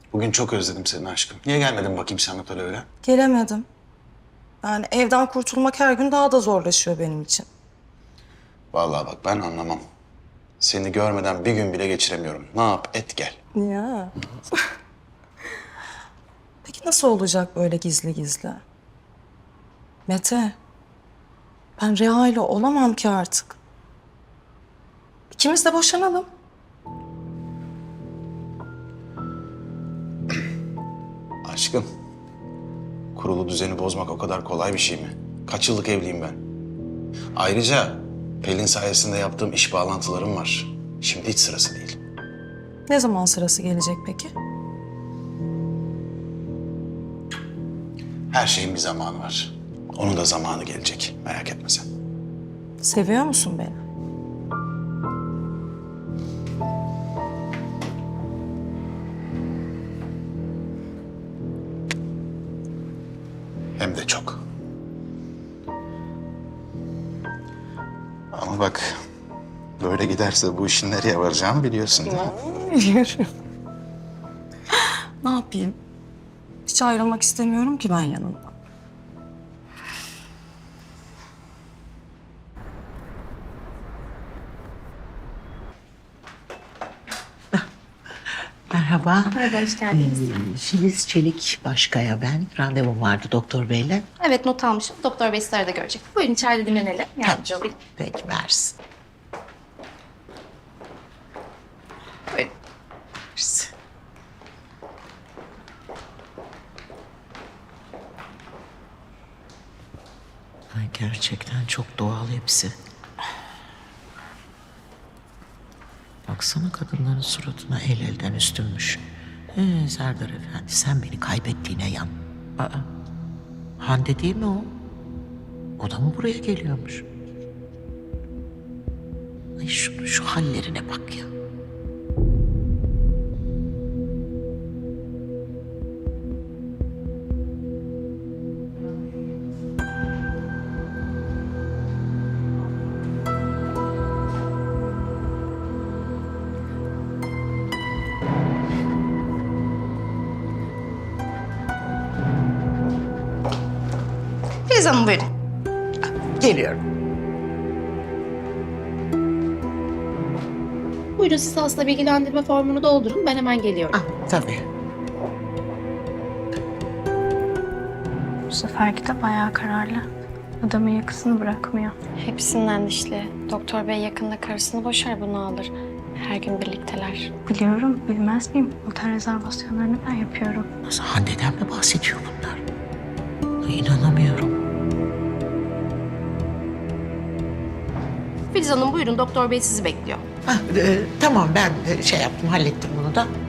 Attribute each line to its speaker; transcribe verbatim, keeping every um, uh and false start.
Speaker 1: Bugün çok özledim seni aşkım. Niye gelmedin bakayım sen otele öyle?
Speaker 2: Gelemedim. Yani evden kurtulmak her gün daha da zorlaşıyor benim için.
Speaker 1: Vallahi bak ben anlamam. Seni görmeden bir gün bile geçiremiyorum. Ne yap et gel.
Speaker 2: Ya. Peki nasıl olacak böyle gizli gizli? Mete, ben Reha ile olamam ki artık. İkimiz de boşanalım.
Speaker 1: Aşkım, kurulu düzeni bozmak o kadar kolay bir şey mi? Kaç yıllık evliyim ben. Ayrıca Pelin sayesinde yaptığım iş bağlantılarım var. Şimdi hiç sırası değil.
Speaker 2: Ne zaman sırası gelecek peki?
Speaker 1: Her şeyin bir zamanı var. Onun da zamanı gelecek. Merak etme sen.
Speaker 2: Seviyor musun beni?
Speaker 1: Hem de çok. Ama bak, böyle giderse bu işin nereye varacağını biliyorsun değil mi?
Speaker 2: Biliyorum. Ne yapayım? Hiç ayrılmak istemiyorum ki ben yanından.
Speaker 3: Merhaba.
Speaker 4: Merhaba, hoş geldiniz.
Speaker 3: Ee, Filiz Çelik Başkaya ben. Randevum vardı doktor beyle.
Speaker 4: Evet, not almışım. Doktor Bey sizleri de görecek. Buyurun içeride dinlenelim. Yardımcı olayım.
Speaker 3: Peki versin.
Speaker 4: Buyurun.
Speaker 3: Versin. Ay, gerçekten çok doğal hepsi. Baksana kadınların suratına el elden üstünmüş. Ee, Serdar Efendi sen beni kaybettiğine yan. Aa, Hande değil mi o? O da mı buraya geliyormuş? Ay şu, şu hallerine bak ya.
Speaker 4: Filiz Hanım buyurun.
Speaker 3: Geliyorum.
Speaker 4: Buyurun siz hasta bilgilendirme formunu doldurun. Ben hemen geliyorum.
Speaker 3: Ah, tabii.
Speaker 5: Bu seferki de bayağı kararlı. Adamın yakasını bırakmıyor.
Speaker 6: Hepsinden dişli. Doktor bey yakında karısını boşar, bunu alır. Her gün birlikteler.
Speaker 5: Biliyorum, bilmez miyim? Otel rezervasyonlarını ben yapıyorum.
Speaker 3: Nasıl Hande'den mi bahsediyor bunlar? Ay, inanamıyorum.
Speaker 4: Filiz Hanım buyurun. Doktor Bey sizi bekliyor.
Speaker 3: Ah, e, tamam ben e, şey yaptım hallettim bunu da.